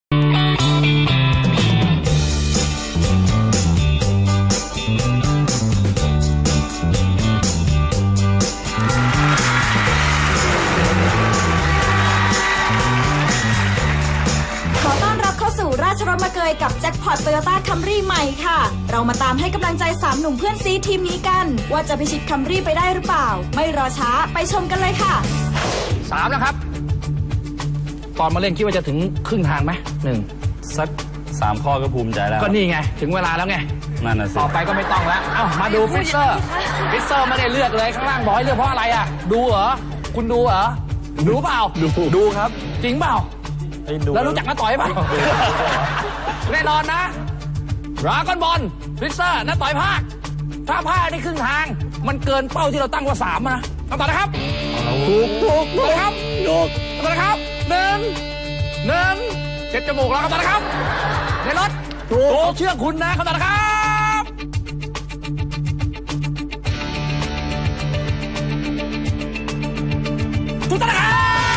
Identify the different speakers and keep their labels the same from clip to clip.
Speaker 1: ราชรถมาเกยกับแจ็คพอตโตโยต้าคัมรี่ใหม่ค่ะเรามาตามให้กำลังใจ3หนุ่มเพื่อนซีทีมนี้กันว่าจะพิชิตคัมรี่ไปได้หรือเปล่าไม่รอช้าไปชมกันเลยค่ะ
Speaker 2: 3แล้วครับตอนมาเล่นคิดว่าจะถึงครึ่งทางไหม
Speaker 3: สัก3 ข้อก็ภูมิใจแล้ว
Speaker 2: ก็นี่ไงถึงเวลาแล้วไง
Speaker 3: นั่นน่ะสิ
Speaker 2: ต่อไปก็ไม่ต้องแล้วมาดูฟิสเซอร์ไม่ได้เลือกเลยข้างล่างบอกให้เลือกเพราะอะไรอ่ะดูเหรอคุณดูเหรอดูเปล่า
Speaker 3: ดูครับ
Speaker 2: จริงเปล่าแล้วรู้จักน้าต่อยป่ะแน่นอนนะราก้อนบอลฟิสเซอร์น้าต่อยภาคถ้าภาคนี่ครึ่งทางมันเกินเป้าที่เราตั้งว่า3นะคำตอบนะครับถูกนะครับคำตอบนะครับหนึ่งเช็ดจมูกแล้วคำตอบนะครับในรถถูกเชื่อคุณนะคำตอบนะครับถูกต้องนะครับ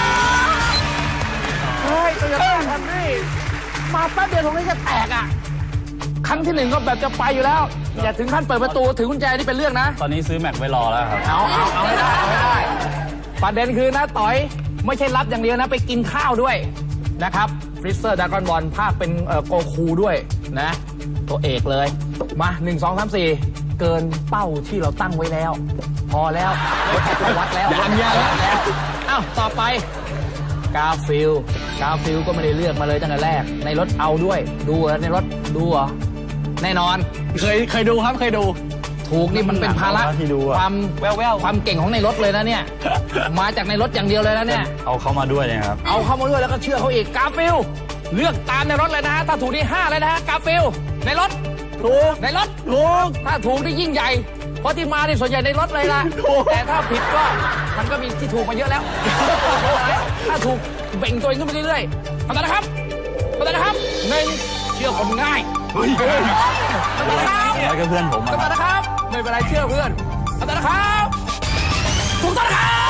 Speaker 2: เฮ้ยโตโยต้าคัมรี่มาแป๊บเดียวตรงนี้จะแตกอ่ะครั้งที่1ก็แบบจะไปอยู่แล้วอย่าถึงขั้นเปิดประตูถือกุญแจนี่เป็นเรื่องนะ
Speaker 3: ตอนนี้ซื้อแม็กไว้รอแล้วครับ
Speaker 2: เอาให้ได้ประเด็นคือนะต่อยไม่ใช่รับอย่างเดียวนะไปกินข้าวด้วยนะครับฟริสเซอร์ดากอนบอลภาคเป็นโกคูด้วยนะตัวเอกเลยมา1 2 3 4เกินเป้าที่เราตั้งไว้แล้วพอแล้ววัดแล้วต่อไปกาฟิลก็ไม่ได้เลือกมาเลยตั้งแต่แรกในรถเอาด้วยดูเหรอในรถดูเหรอแน่นอน
Speaker 3: เคยดูครับเคยดู
Speaker 2: ถูกนี่มันเป็นภาระความแววความเก่งของในรถเลยนะเนี่ยมาจากในรถอย่างเดียวเลยนะเนี่ย
Speaker 3: เอาเข้ามาด้วยนะครับ
Speaker 2: เอาเข้ามาด้วยแล้วก็เชื่อเขาอีกกาฟิลเลือกตามในรถเลยนะฮะถ้าถูกที่5เลยนะฮะกาฟิลในรถ
Speaker 3: ถูก
Speaker 2: ในรถถูกถ้าถูกที่ยิ่งใหญ่เพราะที่มาที่ส่วนใหญ่ในรถเลยล่ะแต่ถ้าผิดก็มันก็มีที่ถูกมาเยอะแล้วถ้าถูกเบ่งตัวเองขึ้นไปเรื่อยๆคำตอบนะครับ1เชื่อคนง่ายคำตอบนะครับ
Speaker 3: แล้วก็เพื่อนผม
Speaker 2: คำตอบนะครับไม่เป็นไรเชื่อเพื่อนคำตอบนะครับถูกต้อง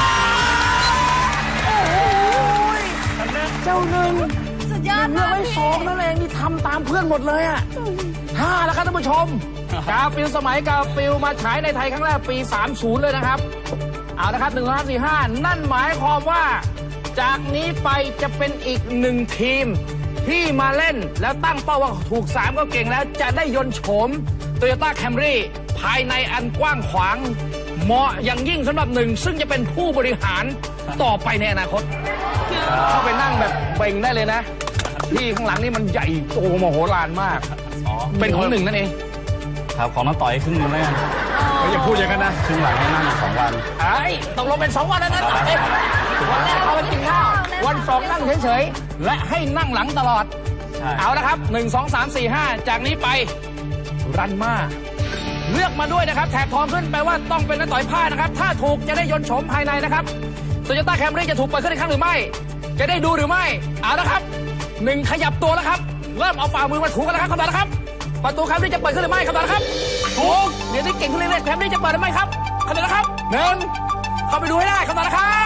Speaker 2: นะครับโอ้ยเจ้าหนึ่ง
Speaker 1: สุดยอด
Speaker 2: เลือกไว้2นั่นเองนี่ทำตามเพื่อนหมดเลยอ่ะ5แล้วครับท่านผู้ชมกาฟิลสมัยกาฟิลมาฉายในไทยครั้งแรกปี30เลยนะครับเอาละครับ1 2 3 4 5นั่นหมายความว่าจากนี้ไปจะเป็นอีก1ทีมที่มาเล่นแล้วตั้งเป้าว่าถูก3ก็เก่งแล้วจะได้ยนต์โฉม Toyota Camry ภายในอันกว้างขวางเหมาะอย่างยิ่งสำหรับ1ซึ่งจะเป็นผู้บริหารต่อไปในอนาคตเข้าไปนั่งแบบเบ่งได้เลยนะที่ข้างหลังนี่มันใหญ่โตมโหฬารมากเป็นของ1นั่นเอง
Speaker 3: ครับของน้าต่อยครึ่งนึงแล้วกันอย่าพูดอย่างนั้นนะครึ่งหลังให้นั่ง2 วัน
Speaker 2: ตกลงเป็น2 วันแล้วนะต่อยวันแรกเอาไปกินข้าววัน2นั่งเฉยๆและให้นั่งหลังตลอดเอาละครับ1 2 3 4 5จากนี้ไปรันมาเลือกมาด้วยนะครับแถบทองขึ้นแปลว่าต้องเป็นน้าต่อยผ้านะครับถ้าถูกจะได้ยนต์โฉมภายในนะครับโตโยต้าแคมรี่จะถูกเปิดขึ้นอีกครั้งหรือไม่จะได้ดูหรือไม่เอาละครับ1ขยับตัวแล้วครับเริ่มเอาฝ่ามือมาถูกันนะครับคำตอบนะครับประตูแคมรี่จะเปิดขึ้นหรือไม่คำตอบนะครับถูกเดี๋ยวนี้เก่งขึ้นเรื่อยๆแคมรี่จะเปิดหรือไม่ครับคำตอบนะครับ1เข้าไปดูให้ได้คำตอบนะครับ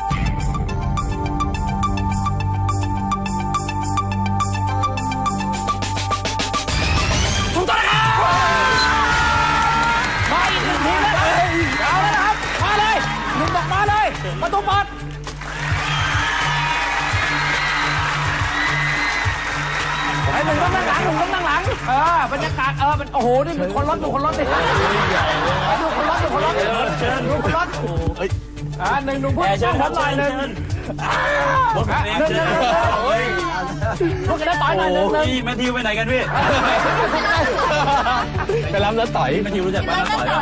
Speaker 2: ถูกต้องนะครับมาอีก1ทีแล้วเอาแล้วนะครับมาเลย1บอกมาเลยประตูเปิดไอ้1ต้องนั่งหลัง1ต้องนั่งหลังบรรยากาศมันโอ้โหนี่มีคนรถดูคนรถดิดูคนรถ1หนุ่มพูดช่างผมหน่อย1พวกกันได้ต่อยหน่อย
Speaker 3: 1แมทธิวไปไหนกันพี่ไปรับน้าต่อยแมทธิวรู้จักป้าน้าต่อย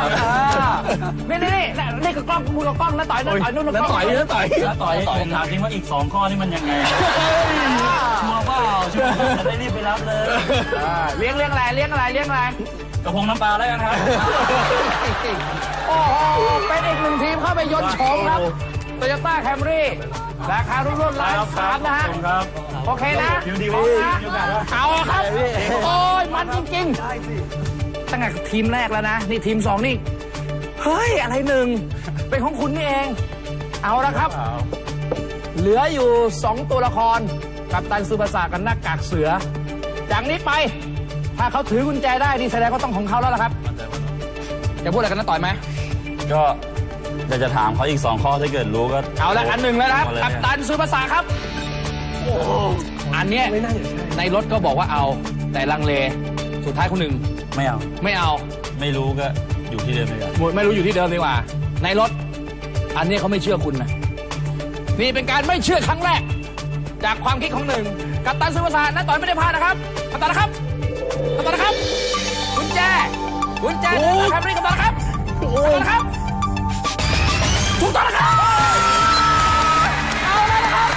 Speaker 2: นี่ก็กล้องมือกับกล้องน้าต่อยนู่น
Speaker 3: น้าต่อยผมถามจริงว่าอีก2 ข้อนี่มันยังไงชัวร์เปล่าชัวร์จะได้รีบไปรับเลย
Speaker 2: เลี้ยงอะไร
Speaker 3: กระพงน้ำปลาแล้วกันครับ
Speaker 2: โอ้โหเป็นอีก1ทีมเข้าไปยนต์โฉมครับโตโยต้าแคมรี่ราคารุ่นล้าน3นะฮะโอเคนะเอาครับโอ้ยมันจริงๆตั้งแต่ทีมแรกแล้วนะนี่ทีม2นี่เฮ้ยอะไร1เป็นของคุณนี่เองเอาละครับเหลืออยู่2ตัวละครกัปตันซูบาสะกับหน้ากากเสือจากนี้ไปถ้าเขาถือกุญแจได้นี่แสดงว่าต้องของเขาแล้วล่ะครับจะพูดอะไรกันนะต่อยไหม
Speaker 3: ก็อยากจะถามเขาอีก2 ข้อถ้าเกิดรู้ก็
Speaker 2: เอาละอันหนึ่งแล้วนะครับ
Speaker 3: เอาเลย
Speaker 2: กัปตันซูบาสะครับโอ้อันเนี้ยในรถก็บอกว่าเอาแต่ลังเลสุดท้ายคนหนึ่ง
Speaker 3: ไม่เอา
Speaker 2: ไม่เอา
Speaker 3: ไม่รู้ก็อยู่ที่เดิมเลยครับ
Speaker 2: ไม่รู้อยู่ที่เดิมดีกว่าในรถอันนี้เขาไม่เชื่อคุณนะนี่เป็นการไม่เชื่อครั้งแรกจากความคิดของหนึ่งกัปตันซูบาสะนะต่อยไม่ได้พลาดนะครับกัปตันนะครับกัปตันนะครับกุญแจแคมรี่กัปตันนะครับกัปตันนะครับถูกต้องนะครับเอาเลยนะครับ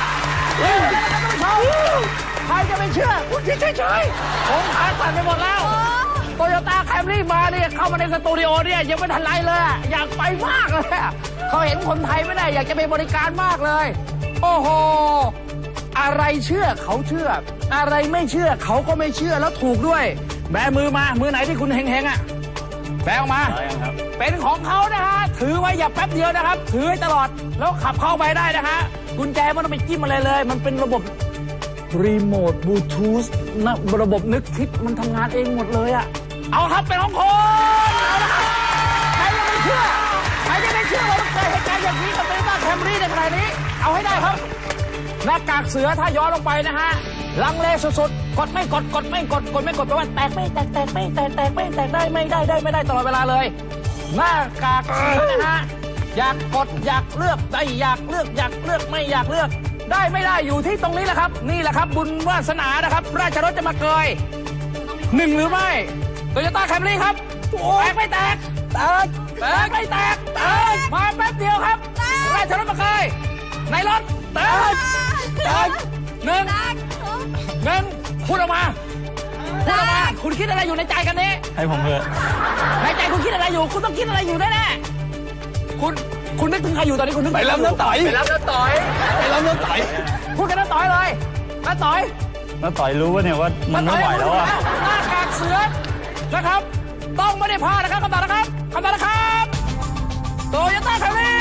Speaker 2: ใครจะไม่เชื่อคุณเฉยๆผมขาสั่นไปหมดแล้วโตโยต้าแคมรี่มาเนี่ยเข้ามาในสตูดิโอเนี่ยยังไม่ทันไรเลยอะอยากไปมากเลยอะเขาเห็นคนไทยไม่ได้อยากจะไปบริการมากเลยโอ้โหอะไรเชื่อเขาเชื่ออะไรไม่เชื่อเขาก็ไม่เชื่อแล้วถูกด้วยแบมือมามือไหนที่คุณเฮงๆอ่ะแบออกมา
Speaker 3: ได้ยังครับ
Speaker 2: เป็นของเขานะฮะถือไว้อย่าแป๊บเดียวนะครับถือไว้ตลอดแล้วขับเข้าไปได้นะฮะกุญแจไม่ต้องไปจิ้มอะไรเลยมันเป็นระบบรีโมทบลูทูธนะระบบนึกคิดมันทำงานเองหมดเลยอะเอาครับเป็นของคนเอาละครับใครยังไม่เชื่อใครยังไม่เชื่อว่าเกิดเหตุการณ์อย่างนี้กับโตโยต้าแคมรี่ในขณะนี้เอาให้ได้ครับหน้ากากเสือถ้าย้อนลงไปนะฮะลังเลสุดๆกดไม่กดแปลว่าแตกไม่แตกไม่แตกได้ไม่ได้ตลอดเวลาเลยหน้ากากเสือนะฮะอยากกดอยากเลือกได้อยากเลือกไม่อยากเลือกได้ไม่ได้อยู่ที่ตรงนี้แหละครับนี่แหละครับบุญวาสนานะครับราชรถจะมาเกยหนึ่งหรือไม่โตโยต้าแคมรี่ครับแตกไม่แตกไม่แตกมาแป๊บเดียวครับราชรถมาเกยในรถแตกหนึ่งพูดออกมาคุณคิดอะไรอยู่ในใจกันนี้
Speaker 3: ให้ผมเถอะ
Speaker 2: ในใจคุณคิดอะไรอยู่คุณต้องคิดอะไรอยู่แน่ๆคุณนึกถึงใครอยู่ตอนนี้คุณนึก
Speaker 3: ไปรับน้ำต่อย
Speaker 2: ไปรับน้ำต่อยพูดกันน้ำต่อยเลยน้ำต่อย
Speaker 3: น้าต่อยรู้ว่าเนี่ยว่ามันไม่ไหวแล้วอะ
Speaker 2: หน้ากากเสือนะครับต้องไม่ได้พลาดนะครับคำตอบนะครับโตโยต้าแคมรี่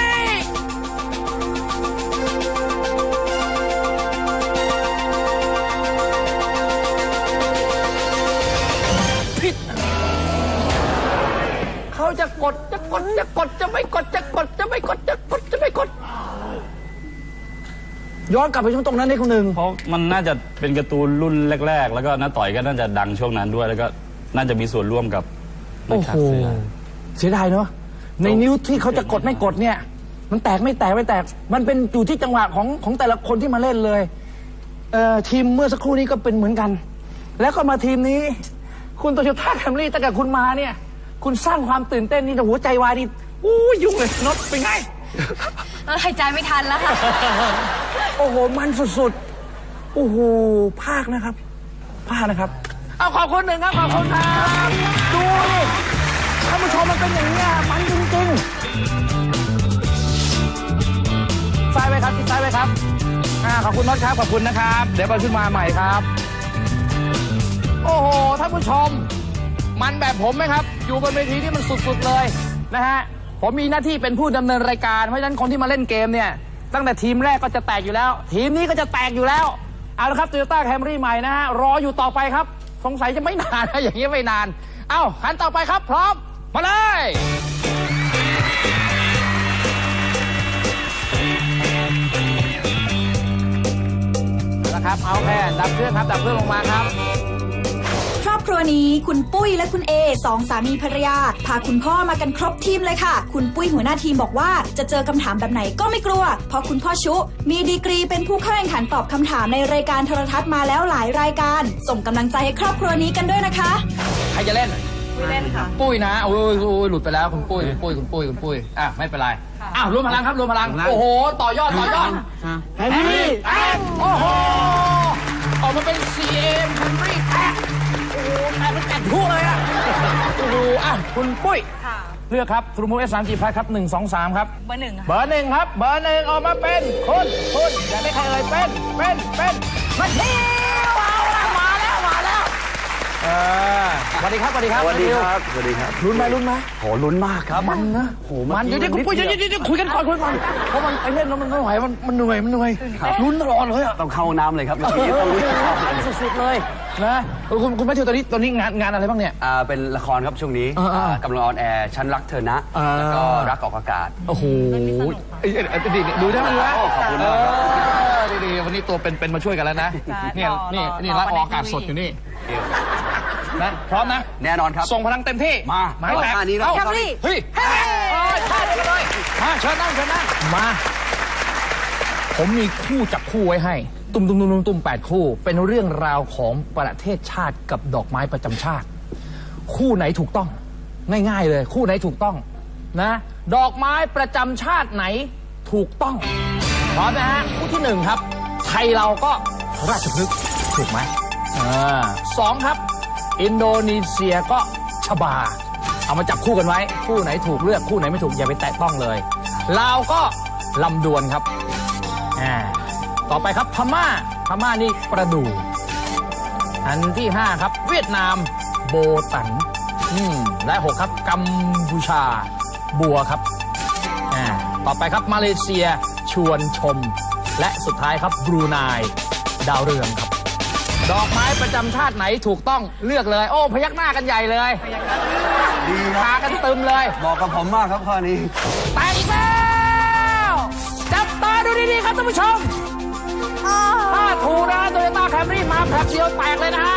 Speaker 2: ผิดเขาจะกดจะไม่กดย้อนกลับไปช่วงตรงนั้นนี่คุณหนึ่ง
Speaker 3: เพราะมันน่าจะเป็นการ์ตูนรุ่นแรกๆแล้วก็น้าต่อยก็น่าจะดังช่วงนั้นด้วยแล้วก็น่าจะมีส่วนร่วมกับนักข่าวเสือ
Speaker 2: เสียดายเนาะในนิ้วที่เขาจะกดไม่กดเนี่ยมันแตกไม่แตกมันเป็นอยู่ที่จังหวะของแต่ละคนที่มาเล่นเลยทีมเมื่อสักครู่นี้ก็เป็นเหมือนกันแล้วก็มาทีมนี้คุณโตโยต้าแคมรี่ตั้งแต่คุณมาเนี่ยคุณสร้างความตื่นเต้นนี่หัวใจวายนี่ยุ่งเลยนดเป็นไง
Speaker 4: เราหายใจไม่ทันแล้วค่ะ
Speaker 2: โอ้โหมันสุดๆโอ้โหภาคนะครับเอาขอบคุณหนึ่งครับขอบคุณครับดูดิท่านผู้ชมมันเป็นอย่างนี้มันจริงๆซ้ายไว้ครับที่ซ้ายไว้ครับขอบคุณน็อตครับขอบคุณนะครับเดี๋ยวไปขึ้นมาใหม่ครับโอ้โหท่านผู้ชมมันแบบผมไหมครับอยู่บนเวทีที่มันสุดๆเลยนะฮะผมมีหน้าที่เป็นผู้ดำเนินรายการเพราะฉะนั้นคนที่มาเล่นเกมเนี่ยตั้งแต่ทีมแรกก็จะแตกอยู่แล้วทีมนี้ก็จะแตกอยู่แล้วเอาละครับ Toyota Camry ใหม่นะฮะรออยู่ต่อไปครับสงสัยจะไม่นานนะอย่างนี้ไม่นานเอ้าขันต่อไปครับพร้อมมาเลยนะครับเอาแค่ดับเครื่องครับดับเครื่องลงมาครับ
Speaker 1: ครอบครัวนี้คุณปุ้ยและคุณเอสองสามีภรรยาพาคุณพ่อมากันครบทีมเลยค่ะคุณปุ้ยหัวหน้าทีมบอกว่าจะเจอคำถามแบบไหนก็ไม่กลัวเพราะคุณพ่อชุมีดีกรีเป็นผู้เข้าแข่งขันตอบคำถามในรายการโทรทัศน์มาแล้วหลายรายการส่งกำลังใจให้ครอบครัวนี้กันด้วยนะคะ
Speaker 2: ใครจะเล่น
Speaker 4: ปุ้ยเล่นค่ะ
Speaker 2: ปุ้ยนะโอ้ยหลุดไปแล้วคุณปุ้ยไม่เป็นไรอ้าวรวมพลังครับรวมพลังโอ้โหต่อยอดแฮมรี่แท็กโอ้โหออกมาเป็น CM แฮมรี่แท็กโอ้โหแตกทั่วเลยอ่ะโอ้โหคุณปุ้ย
Speaker 4: ค่ะ
Speaker 2: เลือกครับทรูมูเอส3G พลัสครับ1 2 3ครับ
Speaker 4: เบอร์หนึ่งค่ะ
Speaker 2: เบอร์หนึ่งครับเบอร์หนึ่งออกมาเป็นคุณอยากได้ใครเอ่ยเป็นมาเที่ยวเอาละมาแล้วสวัสดีครับสวัสดีครับ
Speaker 3: สวัสดีครับสวัสดีครับ
Speaker 2: ลุ้นไหมลุ้นไหม
Speaker 3: โหลุ้นมากครับ
Speaker 2: มันนะมันเดี๋ยวคุณปุ้ยเดี๋ยวคุยกันก่อนคุยกันเพราะมันไปเล่นแล้วมันไม่ไหวมันเหนื่อยลุ้นตลอดเลยอะ
Speaker 3: ต้องเข้าน้ำเลยครับเมื่อกี้ต้องวิ่งเข้าเลย
Speaker 2: สุดๆเลยนะคุณแมทธิวตอนนี้งานอะไรบ้างเนี่ย
Speaker 3: เป็นละครครับช่วงนี้ กำลังออนแอร์ฉันรักเธอนะ
Speaker 2: อ่า
Speaker 3: แล้วก็รักออกอากาศ
Speaker 2: โอ้โหดูได้ไหมดูได้
Speaker 3: ขอบคุณมากครับ
Speaker 2: ดีวันนี้ตัวเป็นมาช่วยกันแล้วนะนี่รักออกอากาศสดอยู่นี่นะพร้อมนะ
Speaker 3: แน่นอนครับ
Speaker 2: ส่งพลังเต็มที่มาให้แตก
Speaker 3: ท่านี้แล้ว
Speaker 2: เฮ้ยเฮ้ยท่าเดียวกันเลยมาเชิญนั่งมาผมมีคู่จับคู่ไว้ให้ตุ้ม8คู่เป็นเรื่องราวของประเทศชาติกับดอกไม้ประจำชาติ คู่ไหนถูกต้องง่ายๆเลยคู่ไหนถูกต้องนะดอกไม้ประจำชาติไหนถูกต้องพร้อมนะฮะคู่ที่1ครับไทยเราก็ราชพฤกษ์ถูกไหมสองครับอินโดนีเซียก็ชบาเอามาจับคู่กันไว้คู่ไหนถูกเลือกคู่ไหนไม่ถูกอย่าไปแตะต้องเลยลาวก็ลำดวนครับต่อไปครับพม่านี่ประดู่อันที่5ครับเวียดนามโบตันและ6ครับกัมพูชาบัวครับต่อไปครับมาเลเซียชวนชมและสุดท้ายครับบรูไนดาวเรืองครับดอกไม้ประจำชาติไหนถูกต้องเลือกเลยโอ้พยักหน้ากันใหญ่เลยดีพากันตึมเลย
Speaker 3: บอกกับผมมากครับข้อนี้
Speaker 2: แตกอีกแล้วจับตาดูดีๆครับท่านผู้ชมถ้าถูกนะโตโยต้าแคมรี่มาแผลบเดียวแตกเลยนะฮะ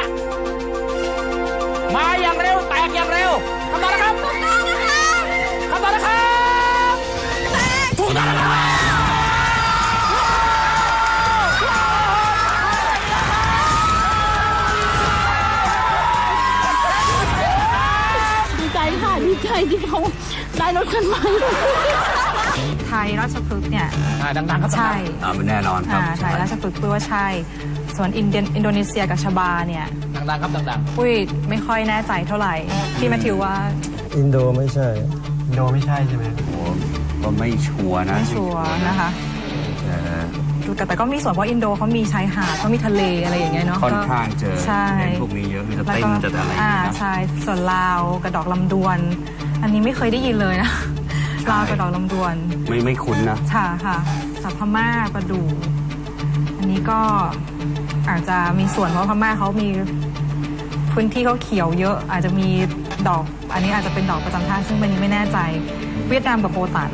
Speaker 2: มาอย่างเร็วแตกอย่างเร็วคำตอบนะครับคำตอบนะครับถูกต้องนะครับ
Speaker 5: ดีใจค่ะดีใจที่เขาได้รถคันใหม่
Speaker 4: ไทยราชพฤกษ์เนี่ย
Speaker 2: ดังๆครับ
Speaker 4: ใช่
Speaker 3: แน่นอนครับ
Speaker 4: ไทยราชพฤกษ์ปุ้ยว่าใช่ ส่วนอินโดนีเซียกับชบาเนี่ย
Speaker 2: ดังๆครับดัง
Speaker 4: ปุ้ยไม่ค่อยแน่ใจเท่าไหร่พี่แมทธิวว่า
Speaker 6: อินโดไม่ใช่
Speaker 7: อินโดไม่ใช่ใช่ไหม
Speaker 3: โอ้ก็ไม่ชัวร์นะ
Speaker 4: ไม่ชัวร์นะคะ แต่ก็มีส่วนเพราะอินโดเขามีชายหาดเขามีทะเลอะไรอย่างเงี้ยเนาะ
Speaker 3: ค่อนข้างเจอ
Speaker 4: ใช่
Speaker 3: เล่นพวกนี้เยอะมีจะเต้นจะอะไรอย่างเงี้ยนะ
Speaker 4: ใช่ส่วนลาวกระดอกลำดวน อันนี้ไม่เคยได้ยินเลยนะลาวกระดอกลำดวน
Speaker 3: ไม่คุ้นนะ
Speaker 4: ค่ะแต่พม่าประดู่อันนี้ก็อาจจะมีส่วนเพราะพม่าเขามีพื้นที่เขาเขียวเยอะ อาจจะมีดอกอันนี้อาจจะเป็นดอกประจำชาติซึ่งวันนี้ไม่แน่ใจเวียดนามกับโบตัน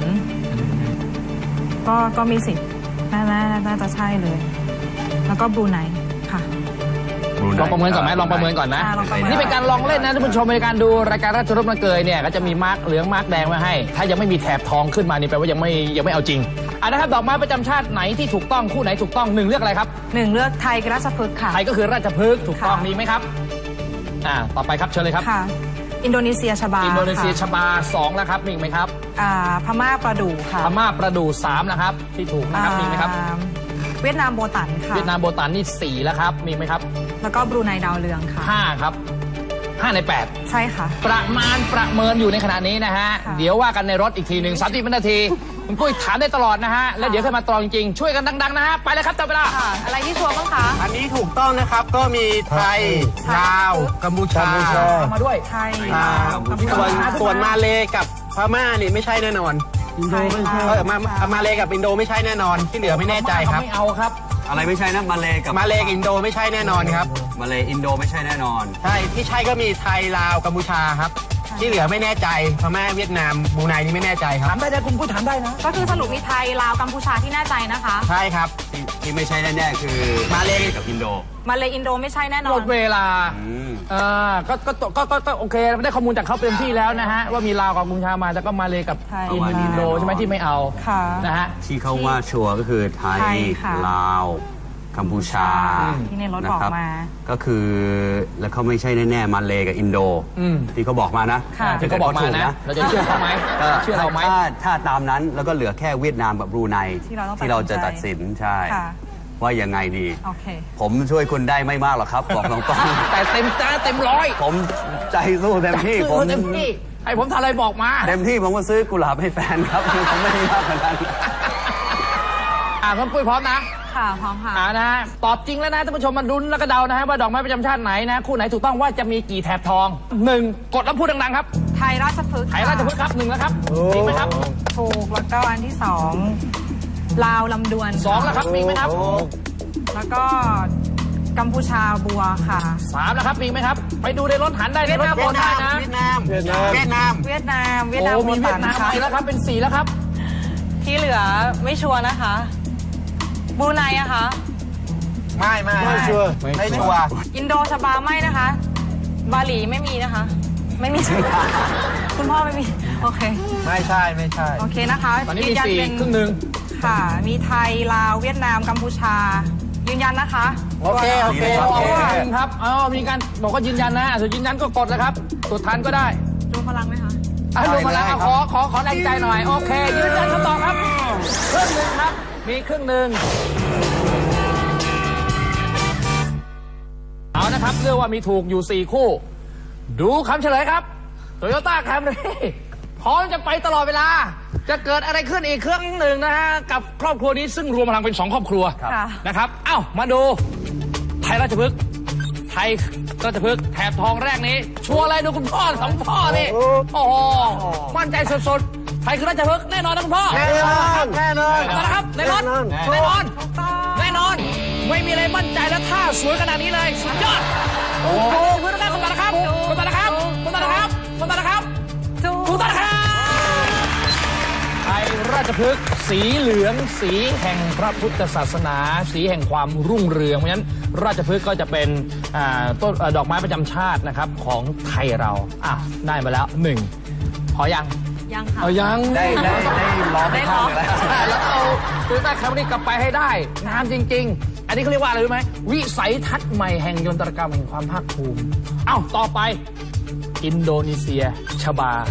Speaker 4: ก็มีสิทธิ์น่าจะใช่เลย แล้วก็บรูไนค่ะ
Speaker 2: ลองประเมินก่อนไหมลองประเมินก่อนนะ
Speaker 4: ลองประเมิน
Speaker 2: นี่เป็นการลองเล่นนะท่านผู้ชมในการดูรายการราชรสมาเกยเนี่ยก็จะมีมาร์กเหลืองมาร์กแดงไว้ให้ถ้ายังไม่มีแถบทองขึ้นมานี่แปลว่ายังไม่เอาจริงนะครับดอกไม้ประจำชาติไหนที่ถูกต้องคู่ไหนถูกต้อง1เลือกอะไรครับ
Speaker 4: 1เลือกไทยกับราชพฤกษ์ค่ะ
Speaker 2: ไทยก็คือราชพฤกษ์ถูกต้อง
Speaker 4: ค่ะ
Speaker 2: มีไหมครับต่อไปครับเชิญเลยครับ
Speaker 4: ค่ะ อินโดนีเซียชบา
Speaker 2: อินโดนีเซีย
Speaker 4: ค่ะ
Speaker 2: ชบา2แล้วครับมีอีกไหมครับ
Speaker 4: พม่าประดู่ค่ะ
Speaker 2: พม่าประดู่3นะครับที่ถูกนะครับมีไหมครับ
Speaker 4: เวียดนามโบตันค่ะ
Speaker 2: เวียดนามโบตันนี่4แล้วครับมีไหมครับ
Speaker 4: แล้วก็บรูไนดาวเรืองค่ะ
Speaker 2: 5ครับ5ใน8
Speaker 4: ใช่ค่ะ
Speaker 2: ประเมินอยู่ในขณะนี้นะฮะ
Speaker 4: ค่ะ
Speaker 2: เดี๋ยวว่ากันในรถอีกทีหนึ่ง30 วินาทีคุณปุ้ยถามได้ตลอดนะฮะ แล้วเดี๋ยวค่อยมาตรองจริงๆ ช่วยกันดังๆนะฮะ ไปเลยครับจับเวลา
Speaker 4: ค่ะ อะไรที่ชัวร์บ้างคะ
Speaker 7: อันนี้ถูกต้องนะครับก็มีไทย ลาว กัมพูชา
Speaker 2: มาด้วย
Speaker 4: ไทย
Speaker 7: อ่า
Speaker 4: กัมพู
Speaker 7: ส่วน
Speaker 4: ชา
Speaker 7: ส่วนมาเลกับพม่านี่ไม่ใช่แน่นอน
Speaker 6: อินโดไม่ใช่
Speaker 7: มาเลกับอินโดไม่ใช่แน่นอน ที่เหลือไม่แน่ใจครับ
Speaker 2: ไม่เอาครับ
Speaker 3: อะไรไม่ใช่นะมาเลกับ
Speaker 7: มาเลกับอินโดไม่ใช่แน่นอนครับ
Speaker 3: มาเลอินโดไม่ใช่แน่นอน
Speaker 7: ใช่ที่ใช่ก็มีไทย ลาว กัมพูชาครับ ที่เหลือไม่แน่ใจพม่าเวียดนามบรูไนนี่ไม่แน่ใจค
Speaker 2: ถา
Speaker 7: รับ
Speaker 2: มได้นะคุณปุ้ยถามได้นะ
Speaker 4: ก็คือสรุปมีไทย ลาว กัมพูชาที่แน่ใจนะคะ
Speaker 7: ใช่ครับ
Speaker 3: ที่ไม่ใช่แน่ๆคือ
Speaker 7: มาเล
Speaker 3: กับอินโด
Speaker 4: มาเลยอินโดไม่ใใช่แน่นอ
Speaker 2: หม
Speaker 4: น
Speaker 2: ดเวลา
Speaker 3: อืม
Speaker 2: ก็โอเคได้ข้อมูลจากเขาเต็มที่แล้วนะฮะ ว่ามีลาวกับกัมพูชามาแต่ก็มาเลยกับ
Speaker 4: ไทย
Speaker 2: อินโดใช่ไหมที่ไม่เอา
Speaker 4: ค่ะ
Speaker 2: นะฮะ
Speaker 3: ที่เขาว่าชัวร์ก็คือไท
Speaker 4: ไท
Speaker 3: ย
Speaker 4: ยค่ะ
Speaker 3: ลาวกัมพูชา
Speaker 4: ที่ในรถบอกมา
Speaker 3: ก็คือแล้วเขาไม่ใช่แน่ๆมาเลกับอินโด
Speaker 2: อืม
Speaker 3: ที่เขาบอกมานะ
Speaker 4: ค่ะ
Speaker 2: ที่เขาบอกมานะ เราจะเชื่อเขาไหม
Speaker 3: ก็
Speaker 2: เชื่อเราไหม
Speaker 3: ถ้าตามนั้นแล้วก็เหลือแค่เวียดนามกับบรูไน
Speaker 4: ที่เราต้อง
Speaker 3: ที่เราจะตัดสินใช่
Speaker 4: ค่ะ
Speaker 3: ว่ายังไงดี
Speaker 4: โอเค
Speaker 3: ผมช่วยคุณได้ไม่มากหรอกครับบอกตรง
Speaker 2: แต่เต็มร้อย
Speaker 3: ๆผมใจสู้เต็มที่ผม
Speaker 2: เต็มที่ให้ผมทำอะไรบอกมา
Speaker 3: เต็มที่ผมก็ซื้อกุหลาบให้แฟนครับผมไม่ได้มากขนาดนั้น
Speaker 2: คุณปุ้ยพร้อมนะ
Speaker 4: ค่ะพร้อมค่ะ
Speaker 2: นะฮะตอบจริงแล้วนะท่านผู้ชมมาลุ้นแล้วก็เดานะฮะว่าดอกไม้ประจำชาติไหนนะคู่ไหนถูกต้องว่าจะมีกี่แถบทอง1กดแล้วพูดดังๆครับ
Speaker 4: ไทยราชพฤกษ์
Speaker 2: ไทยราชพฤกษ์ครับ1แล้วครับจริงไหมครับ
Speaker 4: ถูกแล้วก็อันที่สองลาวลำดวน
Speaker 2: 2แล้วครับมีไหมครับ
Speaker 4: แล้วก็กัมพูชาบัวค่ะ
Speaker 2: 3แล้วครับมีไหมครับไปดูในรถหันได้ในรถ
Speaker 7: เวี
Speaker 2: โอย
Speaker 7: ด
Speaker 2: นได้
Speaker 7: นาม
Speaker 2: นะ
Speaker 7: เวียดนามเวียดนาม
Speaker 4: เวียดนาม
Speaker 2: โอ้มี
Speaker 4: โบ
Speaker 2: เวีย
Speaker 4: ตั
Speaker 2: ด
Speaker 4: น
Speaker 2: นาม
Speaker 4: ค่ะ
Speaker 2: ไปแล้วครับเป็น4แล้วครับ
Speaker 4: ที่เหลือไม่ชัวร์นะคะบรูไนอะคะ
Speaker 7: ไม่
Speaker 6: ไม่ชัวร์
Speaker 7: ไม่ชัวร์
Speaker 4: อินโดชบาไม่นะคะ บาหลีไม่มีนะคะ ไม่มี คุณพ่อไม่มี โอเค
Speaker 7: ไม่ใช่ไม่ใช่
Speaker 4: โอเคนะคะ
Speaker 2: ตอนนี้มี
Speaker 4: ยืยัเป็น
Speaker 2: 4ครึ่งหนึ่ง
Speaker 4: ค่ะ มีไทยลาวเวียดนามกัมพูชา ยืนยันนะคะ
Speaker 7: โอเค
Speaker 2: โอเคครับมีการบอกว่ายืนยันนะส่วนยืนยันก็กดแล้วครับกดทันก็ได้
Speaker 4: รวมพลังไหมคะ
Speaker 2: รวมพลังขอแรงใจหน่อยโอเคยืนยันคำตอบครับครึ่งหนึ่งครับมีครึ่งหนึ่งเอานะครับเรียกว่ามีถูกอยู่4คู่ดูคำเฉลยครับโตโยต้าแคมรี่พร้อมจะไปตลอดเวลาจะเกิดอะไรขึ้นอีกเครื่องหนึ่งนะฮะกับครอบครัวนี้ซึ่งรวมพลังเป็น2ครอบครัว
Speaker 4: ค่ะ
Speaker 2: นะครับเอ้ามาดูไทยราชพฤกษ์ไทยราชพฤกษ์แถบทองแรกนี้ชัวร์อะไรดูคุณพ่อ2พ่อนี่โอ้โหมั่นใจสุดๆไทยคือราชพฤกษ์แน่นอนนะคุณพ่อ
Speaker 7: แน่นอนแน่นอน
Speaker 2: ต่อนะครับแน่นอนแน่นอนแน่นอนไม่มีอะไรมั่นใจและท่าสวยขนาดนี้เลยสุดยอดโอ้โหคุณต่อนะครับคุณต่อนะครับคุณต่อนะครับคุณต่อนะครับคุณต่อนะครับไทยราชพฤกษ์สีเหลืองสีแห่งพระพุทธศาสนา สีแห่งความรุ่งเรืองเพราะฉะนั้นราชพฤกษ์ก็จะเป็นต้นดอกไม้ประจำชาตินะครับของไทยเราได้มาแล้ว1พอยัง
Speaker 4: ยังค่ะ
Speaker 2: เอายัง
Speaker 7: ได้ล้อไม่ข้างเลยแล้ว
Speaker 2: แล้วเอาโตโยต้าแคมรี่กลับไปให้ได้งามจริง ๆ อันนี้เขาเรียกว่าอะไรรู้ไหมวิสัยทัศน์ใหม่แห่งยนตรกรรมแห่งความภาคภูมิต่อไปอินโดนีเซียชบา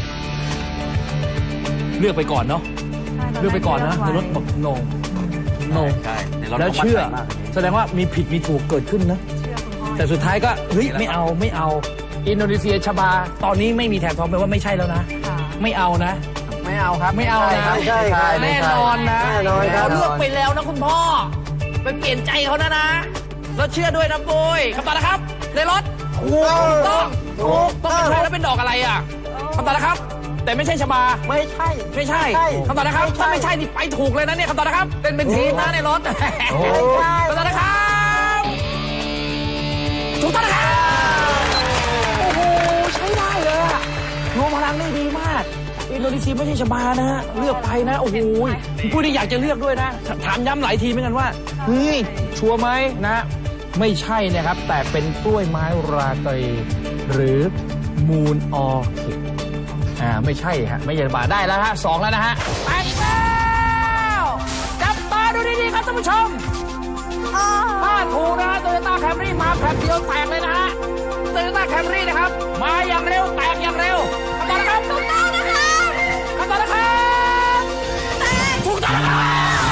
Speaker 2: เลือกไปก่อนเนาะเลือกไปก่อนนะในรถบอกโน
Speaker 3: ใช่ในรถ
Speaker 2: แล้วเชื่อแสดงว่ามีผิดมีถูกเกิดขึ้นนะแต่สุดท้ายก็เฮ้ยไม่เอาอินโดนีเซียชบาตอนนี้ไม่มีแถบทองแปลว่าไม่ใช่แล้วนะไม่เอานะ
Speaker 7: ไม่เอาครับ
Speaker 2: ไม่เอานะ
Speaker 6: ไม่ใช่ครับ
Speaker 2: แน่นอนนะ
Speaker 6: แน่นอนครับ
Speaker 2: เขาเลือกไปแล้วนะคุณพ่อไปเปลี่ยนใจเขานะแล้วเชื่อด้วยนะปุ้ยคำตอบนะครับในรถถูกต้องเป็นใช่แล้วเป็นดอกอะไรอ่ะคำตอบนะครับ แต่ไม่ใช่ชบาไม่ใช่คำตอบนะครับถ้าไม่ใช่นี่ไปถูกเลยนะเนี่ยคำตอบนะครับเป็นทีมนะในรถคำตอบนะครับถูกต้องนะครับโอ้โหใช้ได้เลยอะรวมพลังได้ดีมากอินโดนีเซียไม่ใช่ชบานะฮะเลือกไปนะโอ้โหผู้ที่อยากจะเลือกด้วยนะถามย้ำหลายทีเหมือนกันว่าเฮ้ยชัวร์ไหมนะไม่ใช่นะครับแต่เป็นกล้วยไม้ราตรีหรือมูนออคิดไม่ใช่ฮะไม่ใช่ชบาได้แล้วฮะ2แล้วนะฮะไปแล้วจับตาดูดีๆครับท่านผู้ชมถ้าถูกนะฮะโตโยต้าแคมรี่มาแป๊บเดียวแตกเลยนะฮะโตโยต้าแคมรี่นะครับมาอย่างเร็วแตกอย่างเร็วคำตอบนะครับถูกต้องนะครับคำตอบนะครับถูกต้องนะครับ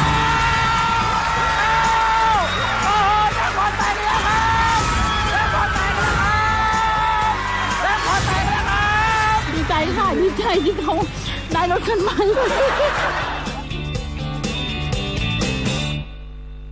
Speaker 2: โอ้โหแจ็คพอตแตกแล้วครับแจ็คพอตแตกแล้วครับแจ็คพอตแตกแล้วครับ
Speaker 5: ดีใจค่ะ ดีใจที่เขาได้รถคันใหม่